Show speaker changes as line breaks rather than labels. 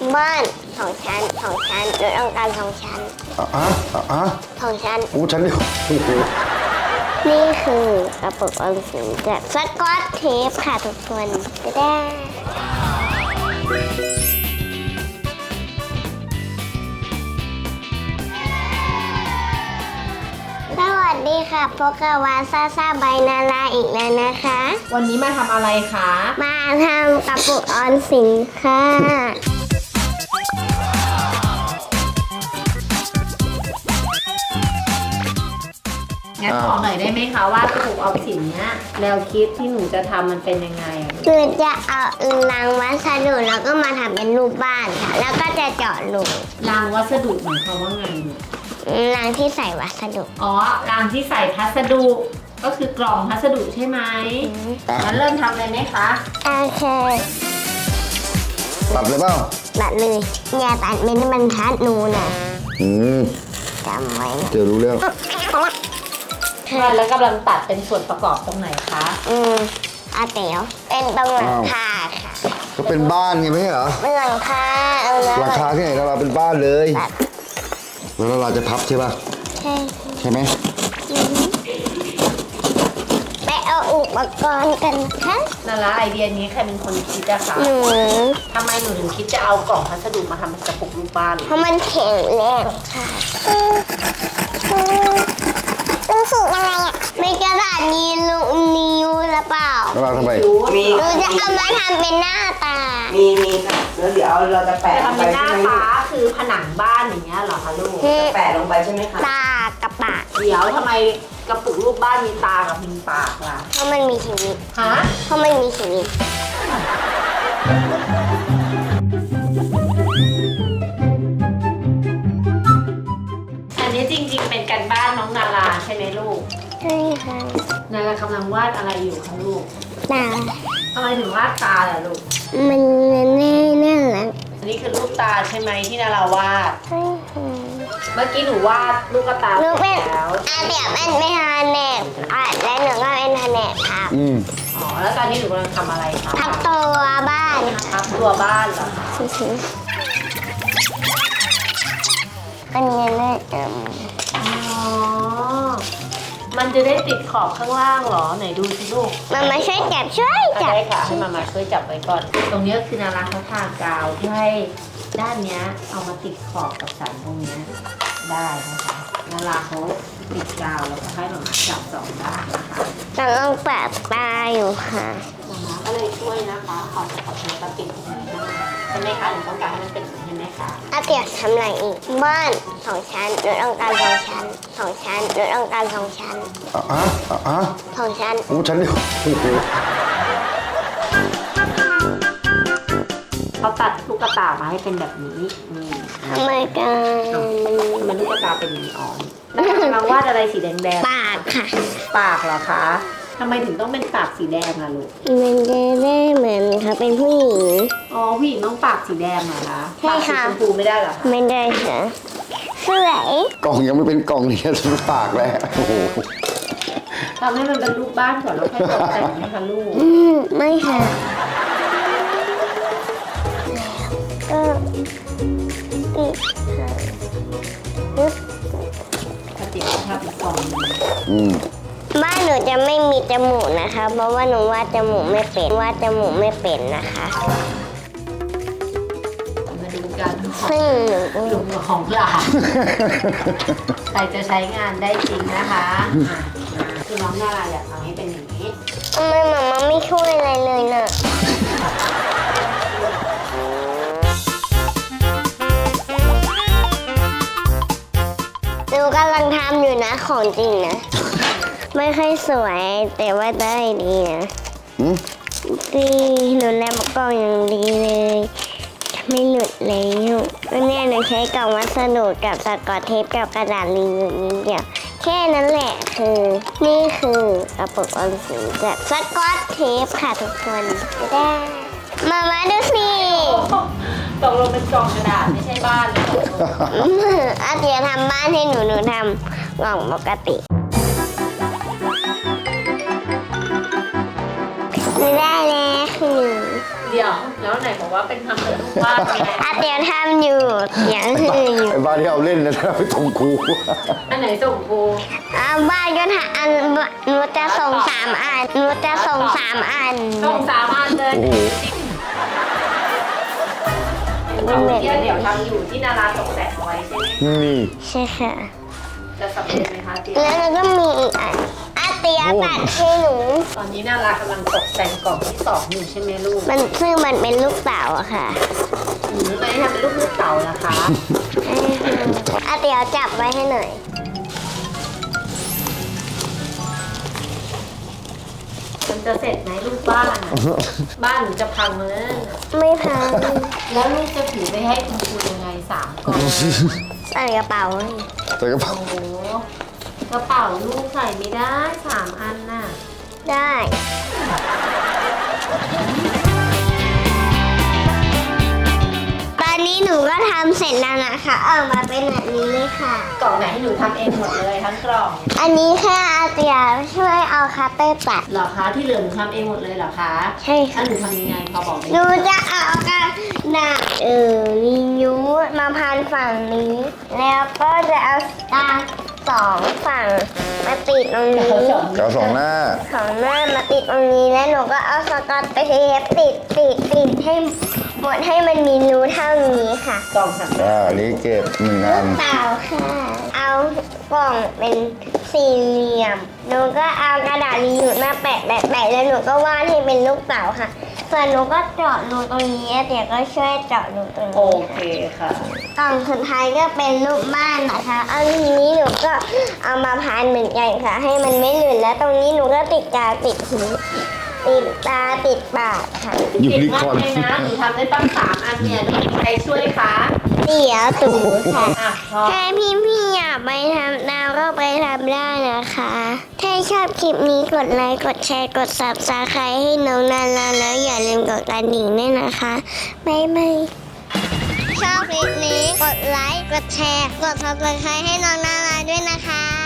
บ้าน2 ชั้นหนูต้องการ2 ชั้น2 ชั้น
ชั้นเดียว
นี่คือกระปุกออมสินจากสกอตเทปค่ะทุกคนจะได้สวัสดีค่ะพบกับวาซาใบนาราอีกแล้วนะคะ
วันนี้มาทำอะไรคะ
มาทำกระปุกออมสินค่ะ
งั้นบอกหน่อยได้ไหมคะว่ากระปุกออมสินเนี้ยแนวคิดที่หนูจะทำมันเป็นยังไง
คือจะเอาลังวัสดุแล้วก็มาทำเป็นรูปบ้านค่ะแล้วก็จะเจาะรู
รางวัสดุหมายความว่าไง
ลังที่ใส่วัสดุ
อ๋อรางที่ใส่พัสดุก็คือกล่องพัสดุใช่ไหมงั้นเริ่มทำเลยไหมคะ
โอเค
ตัดเลยเปล่า
ตัดเลยอย่าตัดเป็นบรรทัดหนูนะจำไว้นะ
เดี๋ยวรู้เรื่อง
แล้วกำลังตัดเป็นส่วนประกอบตรงไหนคะ
อาเต๋วเป็นตรงหลังคาค่ะ
ก็เป็นบ้านไงไม่ใช่เหรอ
เป็นหลังคาเอาเลย
หลังคาที่ไหนเราเป็นบ้านเลยแล้วเราจะพับใช่ป่ะใช่ไหม
ไปเอาอุปกรณ์กันนะคะ
นาราไอเดียนี้ใครเป็นคนคิดอะคะ
หนู
ทำไมหนูถึงคิดจะเอากล่องพัสดุมาทำเป็นกระปุกรูปบ้าน
เพราะมันแข็งแรงค่ะรู้สึกอะไรอ่ะมีกระดาษนิ้วหรือเปล่า
แล้วเราทำไม
หนูจะเอามาทำเป็นหน้าตา
มีค่ะแล้วเดี๋ยวเราจะแปะ
จะ
ลง
ทำ
ไป
เป็นหน้า
ใช่ไหม
ฟ้าคือผนังบ้านอย่างเงี้ยเหรอคะลูก
แปะลงไปใช่ไหมคะ
ตากับปาก
เดี๋ยวทำไมกระปุกรูปบ้านมีตากับมีปากล่ะ
เพราะมันมีชีวิต
ฮะ
เพราะมันมีชีวิต
อันนี้จริงๆเป็นการบ้านน้องนาราใช่ไหมลูก
ใช่ค่ะ
นารากำลังวาดอะไรอยู่คะลูก
ตา
ทำไมถึงวาดตาล่ะลูก
มันน่ารัก
อันนี้คือรูปตาใช่ไหมที่นาราวาด
ใช่ค่ะ
เมื่อกี้หนูวาดลูกตา
หนูเป็น
แล้ว
เดี๋ยวเป็นแผนกและหนูก็เป็นแผนกครับ
อ๋อแล้วตอนนี้หนูกำลังทำอะไรคะ
ทับตัวบ้านค่ะ
พับตัวบ้านเหรอคะ
อันนี้น่าจะ
อ๋อมันจะได้ติดขอบข้างล่างเหรอไหนดูสิลูก
มันมาช่วยจับ
ได้ค่ะให้มาช่วยจับไว้ก่อน ตรงนี้คือนาราเขาทากาวเพื่อให้ด้านเนี้ยเอามาติดขอบกับสันตรงเนี้ยได้นะคะนาราเขาติดกาวแล้วก็ให้มาจับสองด้านนะคะ
กำลังปะตาอยู่ค่ะ
นาราก็เลยช่วยนะคะเอาขอบนี้มาติดตรงนี้ด้วยใช่ไหมคะหนูต้องการให้มันเป็นอย่างนี้ใช่ไหมคะ
เดี๋ยวทำอะไรอีก บ้าน2 ชั้นหนูต้องการ2 ชั้น2 ชั้นหนูต้องการ2 ชั้น2 ชั้น
ชั้นเดียว
เขาตัดลูกตามาให้เป็นแบบนี้นี่
ทำไมกัน
มันลูกตาเป็นอย่างนี้อ๋อแล้วกำลังวาดอะไรสีแดง
ปากค่ะ
ๆปากเหรอคะทำไมถึงต้องเป็นปากสีแดงล่ะลูก
มันจะได้เหมือนเขาเป็นผู้หญิง
อ๋อผู้หญิงต้องปากสีแดงเหรอคะ
ใช่ค่ะ
ปากสีชมพูไม่ได้เหรอคะ
ไม่ได้ค่ะสวย
กล่องยังไม่เป็นกล่องเลยทุกปากแล้วโอ้โห
ทำให้มันเป็นรูปบ้านก่อนแล้วค่อยตกแต่งนะคะลูก
ไม่ค่ะก็อีกค่ะปึ๊บ
ถ้าติดภาพเป็นกล่อง
บ้านหนูจะไม่มีจมูกนะคะ เพราะว่าหนูวาดจมูกไม่เป็นนะคะ
มาดูกัน
ซึ่งหนูก็
หลุมของหลานใครจะใช้งานได้จริงนะคะคือน้องนาราอยากทำให้เป็นอย่างนี้
ทำไมหมาไม่ช่วยอะไรเลยน่ะหนูกำลังทำอยู่นะของจริงนะ ไม่ค่อยสวยแต่ว่าได้ดีนะดีหนูแลบกล้องอย่างดีเลยไม่หลุดแล้ววันนี้หนูใช้กล่องวัสดุกับสกอตเทปกับกระดาษรีวิวนิดเดียวแค่นั้นแหละนี่คือกระปุกออมสินจากสกอตเทปค่ะทุกคนจะได้มาดูสิ
ตกลงเป็นกล่องกระดาษไม่ใช่บ้านเลย
อาเตียทำบ้านให้หนูทำกล่องปกติไม่ได้แล้วคือ
เดี๋ยวแล้วไหนบอกว่าเป็นทำเป็นรูปวาดไง
อาเตียวทำอยู่อย่างอื่นอยู่
ไอ้บ้านที่เอาเล่นนะไปตรงครู
อันไหนส่งครู
บ้านก็ทำอันหนูจะส่ง3 อันหนูจะส่ง3 อัน
ส่ง3 อันเลย
โอ้โห
เดี๋ยวทำอยู่ที่นาราตกแต่งไว้ใช่ไหม
นี่
ใช่ค่ะ
จะสำเร็จไหมคะเจี๊ยบ
แล้วก็มีอีกอันอาเตียวตัดให้หนู
ตอนนี้นารากำลังตกแต่งกล่องที่2อยู่ใช่ไหมลูก
ซึ่งมันเป็นลูกเต๋าอะค่ะ
ไม่ทำเป็นลูกเต่านะคะ
อาเตียวจับไว้ให้หน่อย
มันจะเสร็จไหมลูกบ้านอะบ้านหนูจะพังแล้ว
ไม่พัง
แล้วลูกจะถือไปให้คุณครูยังไง3 กล่อง
ใส่กระเป๋า
ใส่กระเป๋า
โอ้โหกระเป๋าลูกใส่ไม่ได้3 อันน่ะ
ได้ ตอนนี้หนูก็ทำเสร็จแล้วนะคะออกมาเป็นแบบนี้เลยค่ะ
กล่องไหนให้หนูทำเองหมดเลยทั้งกล่อง
อันนี้แค่อาเตียช่วยเอาคัตเตอร์ตัด
เหรอคะที่เหลือหนูทำเองหมดเลยเหรอคะ
ใช่
ถ้า
ค่ะ
หนูทำยังไงพอบอกได้
ห
ไหม
นูจะเอากระดาษรียูสมาพันฝั่งนี้ แล้วก็จะเอาตา2 ฝั่งมาติดตรงนี้
กาว2 หน้า
ของหน้ามาติดตรงนี้แล้วหนูก็เอาสกอตเทปติดให้หมดให้มันมีรูเท่านี้ค่ะ
กล่องสัก
อันนี้เก็บ1 อัน
เปล่าค่ะ เอากล่องเป็นสี่เหลี่ยม หนูก็เอากระดาษรียูสมาแปะแล้วหนูก็วาดให้เป็นลูกเต๋าค่ะ ส่วนหนูก็เจาะรูตรงนี้เดี๋ยวก็ช่วยเจาะรูตรง
โอ
นี้
เคค่ะ
กล่องสุดท้ายก็เป็นรูปบ้านนะคะอันนี้หนูก็เอามาพันเหมือนกันค่ะ ให้มันไม่หลุดแล้วตรงนี้หนูก็ติดกาวติดหูติดตาติดปากค่ะ
ยู
เก่ง
นิค
มา
อก ร์น
เลยนะหนูทำได้ตั้ง3 อันเนี่ยต้องมีใครช่วยคะ
เดี๋ยวตู่ค่ะ
อ่ะพอ
ถ้าพี่อยากไปทำดาวก็ไปทำได้นะคะ ถ้าชอบคลิปนี้กดไลค์ กดแชร์ กด Subscribe ให้น้องนาราแล้วอย่าลืมกดกระดิ่งด้วยนะคะ บ๊ายบาย ชอบคลิปนี้กดไลค์ กดแชร์ กด Subscribe ให้น้องนาราด้วยนะคะ